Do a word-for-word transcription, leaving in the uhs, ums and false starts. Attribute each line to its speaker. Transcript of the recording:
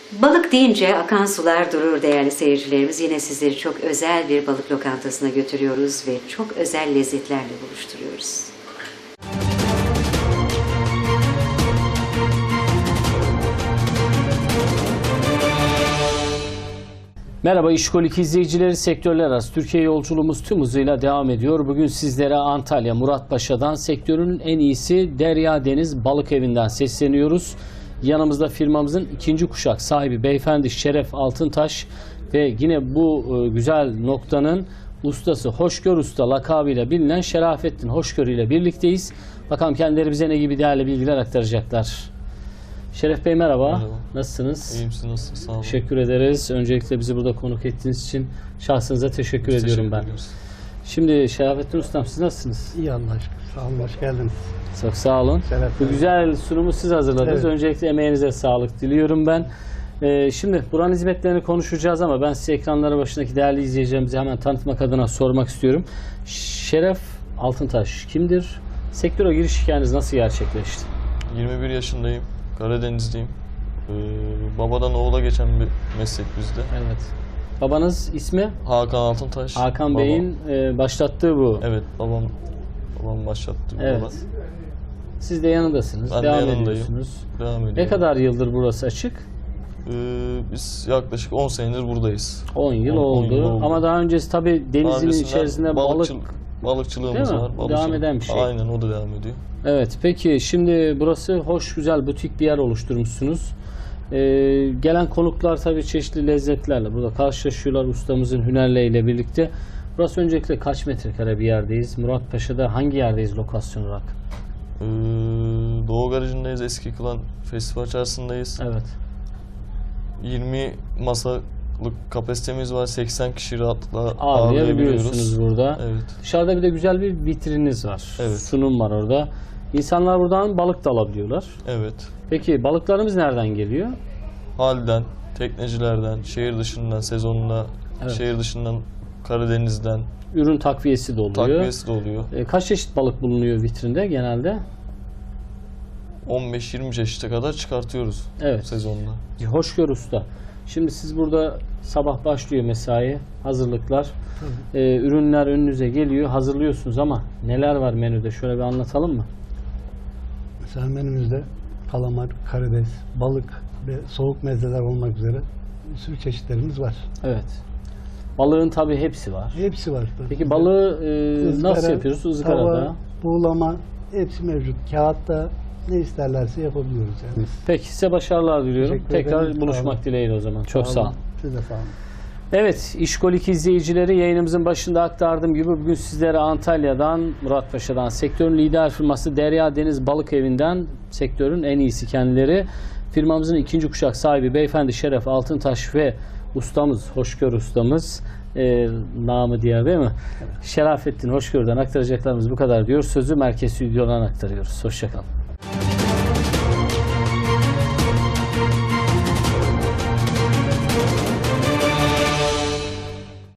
Speaker 1: Balık deyince akan sular durur değerli seyircilerimiz. Yine sizleri çok özel bir balık lokantasına götürüyoruz ve çok özel lezzetlerle buluşturuyoruz.
Speaker 2: Merhaba İşkolik izleyicileri, sektörler arası Türkiye yolculuğumuz tüm hızıyla devam ediyor. Bugün sizlere Antalya Muratpaşa'dan sektörün en iyisi Derya Deniz Balık Evi'nden sesleniyoruz. Yanımızda firmamızın ikinci kuşak sahibi beyefendi Şeref Altıntaş ve yine bu güzel noktanın ustası Hoşgör Usta lakabıyla bilinen Şerafettin Hoşgör ile birlikteyiz. Bakalım kendileri bize ne gibi değerli bilgiler aktaracaklar. Şeref Bey merhaba.
Speaker 3: Merhaba.
Speaker 2: Nasılsınız?
Speaker 3: İyiyim, siz nasılsınız? Sağ olun.
Speaker 2: Teşekkür ederiz. Öncelikle bizi burada konuk ettiğiniz için şahsınıza teşekkür
Speaker 3: Biz
Speaker 2: ediyorum
Speaker 3: teşekkür
Speaker 2: ben.
Speaker 3: ediyoruz.
Speaker 2: Şimdi Şerafettin Ustam siz nasılsınız?
Speaker 4: İyi Allah'a şükür. Sağ olun, hoş geldiniz.
Speaker 2: Çok sağ olun.
Speaker 4: Şeref
Speaker 2: Bu
Speaker 4: Bey.
Speaker 2: güzel sunumu siz hazırladınız.
Speaker 4: Evet.
Speaker 2: Öncelikle emeğinize sağlık diliyorum ben. Ee, şimdi buranın hizmetlerini konuşacağız ama ben size ekranları başındaki değerli izleyicilerimizi hemen tanıtmak adına sormak istiyorum. Şeref Altıntaş kimdir? Sektöre giriş hikayeniz nasıl gerçekleşti?
Speaker 3: yirmi bir yaşındayım. Karadenizliyim. Ee, babadan oğula geçen bir meslek bizde.
Speaker 2: Evet. Babanız ismi?
Speaker 3: Hakan Altıntaş.
Speaker 2: Hakan
Speaker 3: Babam.
Speaker 2: Bey'in e, başlattığı bu.
Speaker 3: Evet, babam babam başlattı.
Speaker 2: Evet.
Speaker 3: Baba.
Speaker 2: Siz de yanındasınız.
Speaker 3: Ben de
Speaker 2: devam
Speaker 3: yanındayım.
Speaker 2: ediyorsunuz.
Speaker 3: Devam ediyor.
Speaker 2: Ne kadar yıldır burası açık?
Speaker 3: Ee, biz yaklaşık on senedir buradayız.
Speaker 2: on yıl
Speaker 3: on- on
Speaker 2: oldu.
Speaker 3: yıl oldu.
Speaker 2: Ama daha öncesi tabii denizin
Speaker 3: Öncesinden
Speaker 2: içerisinde balık...
Speaker 3: balıkçıl- balıkçılığımız
Speaker 2: Değil mi?
Speaker 3: var.
Speaker 2: Devam
Speaker 3: Balıkçılık.
Speaker 2: eden bir şey.
Speaker 3: Aynen, o da devam ediyor.
Speaker 2: Evet, peki şimdi burası hoş, güzel, butik bir yer oluşturmuşsunuz. Ee, gelen konuklar tabii çeşitli lezzetlerle burada karşılaşıyorlar ustamızın hünerleriyle birlikte. Burası öncelikle kaç metrekare bir yerdeyiz? Muratpaşa'da hangi yerdeyiz lokasyon olarak?
Speaker 3: Ee, Doğu Garajı'ndayız. Eski Kılan Festival çarşısındayız.
Speaker 2: Evet.
Speaker 3: yirmi masalık kapasitemiz var. seksen kişi rahatlıkla
Speaker 2: Ağırlayabiliyorsunuz
Speaker 3: ağırlayabiliyoruz.
Speaker 2: burada.
Speaker 3: Evet.
Speaker 2: Dışarıda bir de güzel bir vitrininiz var.
Speaker 3: Evet.
Speaker 2: Sunum var orada. İnsanlar buradan balık da alabiliyorlar.
Speaker 3: Evet.
Speaker 2: Peki balıklarımız nereden geliyor?
Speaker 3: Halden, teknecilerden, şehir dışından, sezonunda,
Speaker 2: Evet.
Speaker 3: şehir dışından, Karadeniz'den
Speaker 2: Ürün takviyesi de oluyor.
Speaker 3: takviyesi de oluyor.
Speaker 2: E, kaç çeşit balık bulunuyor vitrinde genelde?
Speaker 3: on beş yirmi çeşite kadar çıkartıyoruz
Speaker 2: Evet.
Speaker 3: sezonda.
Speaker 2: Hoşgör Usta. Şimdi siz burada sabah başlıyor mesai, hazırlıklar. E, ürünler önünüze geliyor, hazırlıyorsunuz ama neler var menüde? Şöyle bir anlatalım mı?
Speaker 4: Mesela menümüzde kalamar, karides, balık ve soğuk mezeler olmak üzere bir sürü çeşitlerimiz var.
Speaker 2: Evet. Balığın tabii hepsi var.
Speaker 4: Hepsi var.
Speaker 2: Peki balığı e,
Speaker 4: Izgara,
Speaker 2: nasıl yapıyoruz? Izgarada.
Speaker 4: Tava, buğulama hepsi mevcut. Kağıtta ne isterlerse yapabiliyoruz yani.
Speaker 2: Peki size başarılar diliyorum.
Speaker 4: Teşekkür
Speaker 2: Tekrar
Speaker 4: ederim.
Speaker 2: buluşmak
Speaker 4: Sağ olun.
Speaker 2: dileğiyle o zaman. Çok sağ olun.
Speaker 4: Siz de sağ olun.
Speaker 2: Evet, İşkolik izleyicileri, yayınımızın başında aktardığım gibi bugün sizlere Antalya'dan, Muratpaşa'dan, sektörün lider firması Derya Deniz Balık Evi'nden, sektörün en iyisi kendileri, firmamızın ikinci kuşak sahibi beyefendi Şeref Altıntaş ve ustamız, Hoşgör ustamız, e, namı diğer değil mi? Evet. Şerafettin Hoşgör'den aktaracaklarımız bu kadar diyor. Sözü merkez stüdyodan aktarıyoruz. Hoşçakalın.